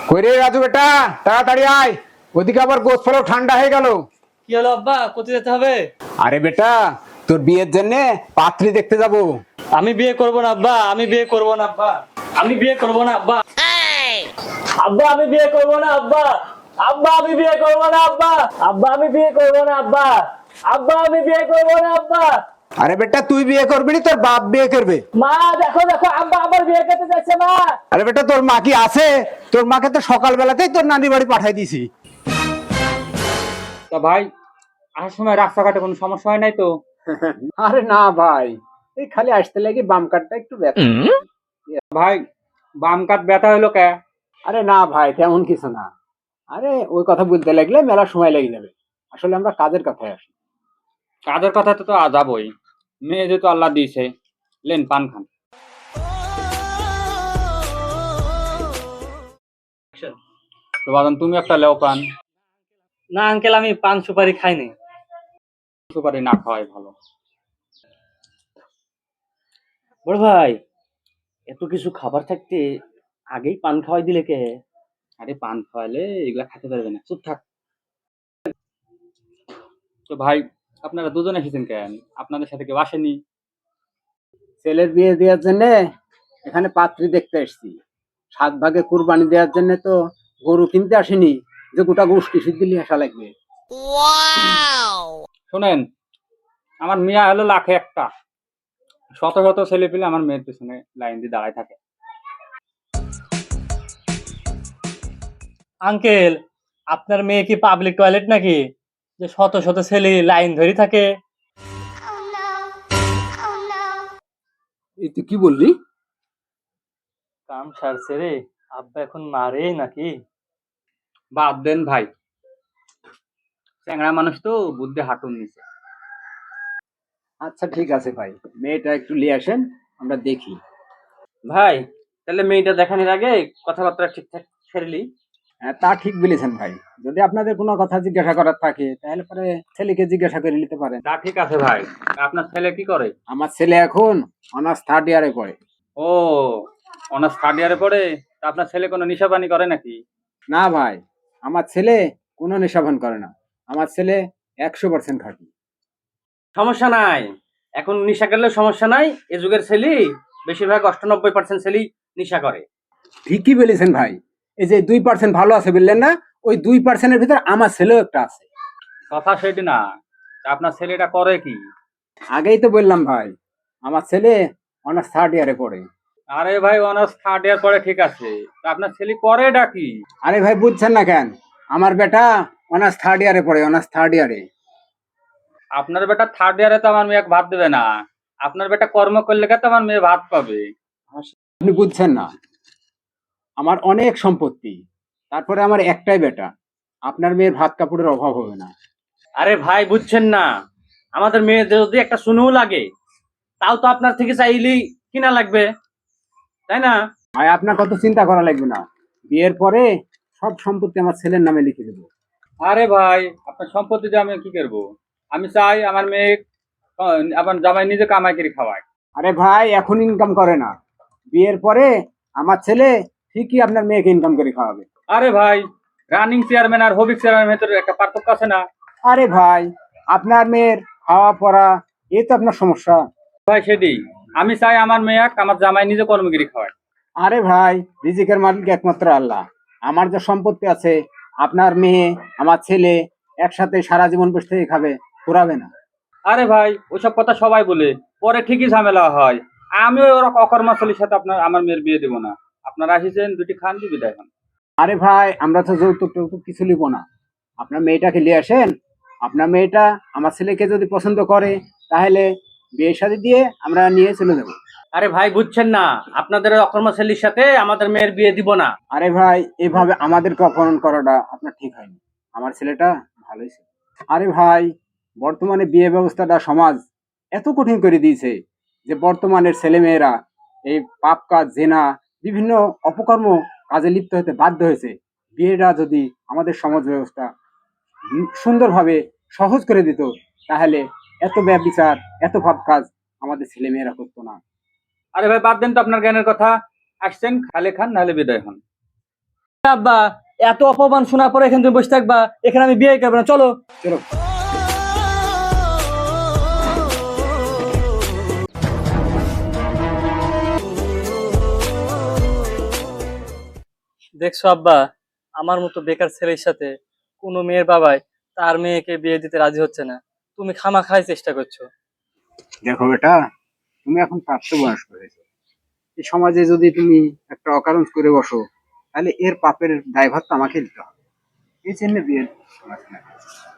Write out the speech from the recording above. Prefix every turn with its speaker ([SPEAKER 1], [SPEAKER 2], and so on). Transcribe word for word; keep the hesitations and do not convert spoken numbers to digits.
[SPEAKER 1] কই রে রাজু বেটা, তাড়াতাড়ি আয়। ওদিকে আবার গোস ফেলেও ঠান্ডা হয়ে গেল।
[SPEAKER 2] কি হলো আব্বা, কোথায় যেতে হবে?
[SPEAKER 1] আরে বেটা, তোর বিয়ের জন্য পাত্রী দেখতে যাব।
[SPEAKER 2] আমি বিয়ে করব না আব্বা, আমি বিয়ে করব না আব্বা, আমি বিয়ে করব না আব্বা। আব্বা আমি বিয়ে করব না আব্বা, আব্বা আমি বিয়ে করব না আব্বা, আব্বা আমি বিয়ে করব না আব্বা, আব্বা আমি বিয়ে করব না আব্বা।
[SPEAKER 1] আরে বেটা, তুই বিয়ে করবি না, তোর বাপ বিয়ে করবে।
[SPEAKER 2] মা দেখো দেখো, আব্বা আবার বিয়ে করতে যাচ্ছে মা।
[SPEAKER 1] আরে বেটা, তোর মা কি আছে? তোর মাকে তো সকালবেলাতেই তোর নানি বাড়ি পাঠাই দিছি।
[SPEAKER 3] তা ভাই, আসার সময় রাস্তাঘাটে কোনো সমস্যা হয় নাই তো?
[SPEAKER 1] আরে না ভাই, এই খালি আসতে লাগি বাম কাটটা একটু ব্যথা।
[SPEAKER 3] ভাই, বাম কাত ব্যথা হইলো কে?
[SPEAKER 1] আরে না ভাই, তেমন কিছু না। আরে ওই কথা বলতে লাগলে মেলা সময় লেগে যাবে। আসলে আমরা কাজের কথায় আসি।
[SPEAKER 3] কাজের কথা তো আজ যাবই। মেয়ে যেহেতু আল্লাহ দিয়েছে, লেন পান খান। তো বাদাম তুমি একটা লেও পান।
[SPEAKER 2] না আঙ্কেল, আমি পান সুপারি খাইনি।
[SPEAKER 3] সুপারি না খাওয়াই ভালো।
[SPEAKER 2] বড় ভাই, এত কিছু খাবার থাকতে আগেই পান খাওয়াই দিলে কে?
[SPEAKER 3] আরে পান খাওয়াইলে এগুলা খেতে পারবে না, চুপ থাক। তো ভাই, আপনারা দুজন এসেছেন কেন? আপনাদের সাথে কেউ আসেনি?
[SPEAKER 1] ছেলের বিয়ে দেওয়ার জন্য এখানে পাত্রী দেখতে এসেছি। সাত ভাগে কুরবানি দেওয়ার জন্য তো গরু কিনতে আসেনি যে গোটা গোষ্ঠী শুদ্ধ নিয়ে আসা লাগবে।
[SPEAKER 3] শোনেন, আমার মেয়া হলো লাখে একটা। শত শত ছেলে পেলে আমার মেয়ের পেছনে লাইন দিয়ে দাঁড়ায় থাকে।
[SPEAKER 2] আঙ্কেল, আপনার মেয়ে কি পাবলিক টয়লেট নাকি যে শত শত ছেলে লাইন ধরে থাকে?
[SPEAKER 4] Oh no. Oh no.
[SPEAKER 1] এই তুই কি বললি?
[SPEAKER 2] কাম সারছে রে, আব্বা এখন মারে নাকি?
[SPEAKER 3] বাদ দেন ভাই, চ্যাংড়া মানুষ তো বুদ্ধি হাঁটুর নিচে।
[SPEAKER 1] আচ্ছা ঠিক আছে ভাই, মেয়েটা একটু নিয়ে আসেন, আমরা দেখি।
[SPEAKER 3] ভাই, তাহলে মেয়েটা দেখানোর আগে কথাবার্তা ঠিকঠাক সেরেলি।
[SPEAKER 1] হ্যাঁ, তা ঠিক বলেছেন ভাই। যদি আপনাদের কোনো কথা জিজ্ঞাসা করার থাকে তাহলে পরে ছেলেকে জিজ্ঞাসা করে নিতে পারেন।
[SPEAKER 3] তা ঠিক আছে ভাই। আপনার ছেলে কি করে?
[SPEAKER 1] আমার ছেলে এখন অনার্স থার্ড ইয়ারে পড়ে।
[SPEAKER 3] ও, অনার্স থার্ড ইয়ারে পড়ে? তা আপনার ছেলে কোনো নেশা পানি করে নাকি?
[SPEAKER 1] না ভাই, আমার ছেলে কোনো নেশাভান করে না। আমার ছেলে একশো পার্সেন্ট খাঁটি।
[SPEAKER 5] সমস্যা নাই, এখন নিশা করলে সমস্যা নাই। এ যুগের ছেলে বেশিরভাগ অষ্টানব্বই পার্সেন্ট ছেলেই নিশা করে।
[SPEAKER 1] ঠিকই বলেছেন ভাই। এই যে দুই পার্সেন্ট ভালো আছে বললেন না, ওই দুই পার্সেন্টের ভিতর আমার ছেলেও একটা আছে।
[SPEAKER 3] কথা সেটি না, তা আপনার ছেলেটা করে কি?
[SPEAKER 1] আগেই তো বললাম ভাই, আমার ছেলে অনার্স থার্ড ইয়ারে পড়ে।
[SPEAKER 3] আরে ভাই, অনার্স থার্ড ইয়ার পরে ঠিক আছে, তা আপনার ছেলে করেটা কি?
[SPEAKER 1] আরে ভাই বুঝছেন না কেন? আমার বেটা অনার্স থার্ড ইয়ারে পড়ে, অনার্স থার্ড ইয়ারে।
[SPEAKER 3] আপনার বেটা থার্ড ইয়ারে তো আমার মেয়ে ভাত দেবে না। আপনার বেটা কর্ম করলে তো আমার মেয়ে ভাত পাবে।
[SPEAKER 1] আপনি বুঝছেন না, আমার অনেক সম্পত্তি, তারপরে আমার একটাই বেটা। আপনার মেয়ের ভাত কাপড়ের অভাব হবে না।
[SPEAKER 5] আরে ভাই বুঝছেন না, আমাদের মেয়ে যদি একটা শুনেও লাগে তাও তো আপনার থেকে চাইলেই কিনা লাগবে, তাই না?
[SPEAKER 1] ভাই আপনার কত চিন্তা করা লাগবে না, বিয়ের পরে সব সম্পত্তি আমার ছেলের নামে লিখে দেবো।
[SPEAKER 3] আরে ভাই, আপনার সম্পত্তি দিয়ে আমি কি করবো? আমি চাই আমার মেয়ে আহ, আমার জামাই নিজে কামাই করে খাওয়ায়।
[SPEAKER 1] আরে ভাই, এখন ইনকাম করে না, বিয়ের পরে আমার ছেলে ঠিকই আপনার মেয়েকে ইনকাম করে খাওয়াবে।
[SPEAKER 3] আরে ভাই, রানিং চেয়ারম্যান আর হবিক চেয়ারম্যানের ভেতরে একটা পার্থক্য আছে না?
[SPEAKER 1] আরে ভাই, আপনার মেয়ের খাওয়া পড়া এই তো আপনার সমস্যা।
[SPEAKER 3] ভাই সেটি, আমি চাই আমার মেয়ে আমার জামাই নিজে কর্মগিরি খাওয়ায়।
[SPEAKER 1] আরে ভাই, রিজিকের মালিক একমাত্র আল্লাহ। আমার যে সম্পত্তি আছে, আপনার মেয়ে আমার ছেলে একসাথে সারা জীবন বসে থেকে খাবে, পুরাবে না।
[SPEAKER 3] আরে ভাই, ওইসব কথা সবাই বলে, পরে ঠিকই ঝামেলা হয়। আমি ওরা অকর্মাশালীর সাথে আপনার আমার মেয়ের বিয়ে দেবো না। আপনারা আসিছেন, দুটি খান দিবি বিদায় হন।
[SPEAKER 1] আরে ভাই, আমরা তো যৌতুক টৌতুক কিছু নিব না। আপনার মেয়েটাকে নিয়ে আসেন। আপনার মেয়েটা আমার ছেলেকে যদি পছন্দ করে তাহলে বিয়ে শাদী দিয়ে আমরা নিয়ে চলে যাবো।
[SPEAKER 5] আরে ভাই বুঝছেন না, আপনাদের অকর্মশালীর সাথে আমাদের মেয়ের বিয়ে দিব না।
[SPEAKER 1] আরে ভাই, এভাবে আমাদেরকে অপমান করাটা আপনার ঠিক হয়নি। আমার ছেলেটা ভালোই ছিল। আরে ভাই, বর্তমানে বিয়ে ব্যবস্থাটা সমাজ এত কঠিন করে দিয়েছে যে বর্তমানের ছেলে মেয়েরা এই পাপ কাজ, জেনা, বিভিন্ন অপকর্ম কাজে লিপ্ত হতে বাধ্য হয়েছে। বিয়েটা যদি আমাদের সমাজ ব্যবস্থা উম সুন্দরভাবে সহজ করে দিত তাহলে এত ব্যভিচার, এত পাপ কাজ আমাদের ছেলে মেয়েরা করতো না।
[SPEAKER 3] আরে ভাই, বাদ দেন তো আপনার জ্ঞানের কথা। আসছেন, খালে খান, নাহলে বিদায় হন।
[SPEAKER 2] আব্বা, এত অপমান শোনার পরে এখানে তুমি বসে থাকবা, এখানে আমি বিয়ে করবো না, চলো।
[SPEAKER 1] চলো।
[SPEAKER 2] দেখছো আব্বা, আমার মতো বেকার ছেলের সাথে কোনো মেয়ের বাবাই তার মেয়েকে বিয়ে দিতে রাজি হচ্ছে না, তুমি খামাখাই চেষ্টা করছো।
[SPEAKER 1] দেখো বেটা, তুমি এখন প্রাপ্তবয়স্ক হয়েছো। এই সমাজে যদি তুমি একটা অকারণ করে বসো, তাহলে এর পাপের দায়ভার তো আমাকে দিতে হবে। এই জন্য বিয়ে করা।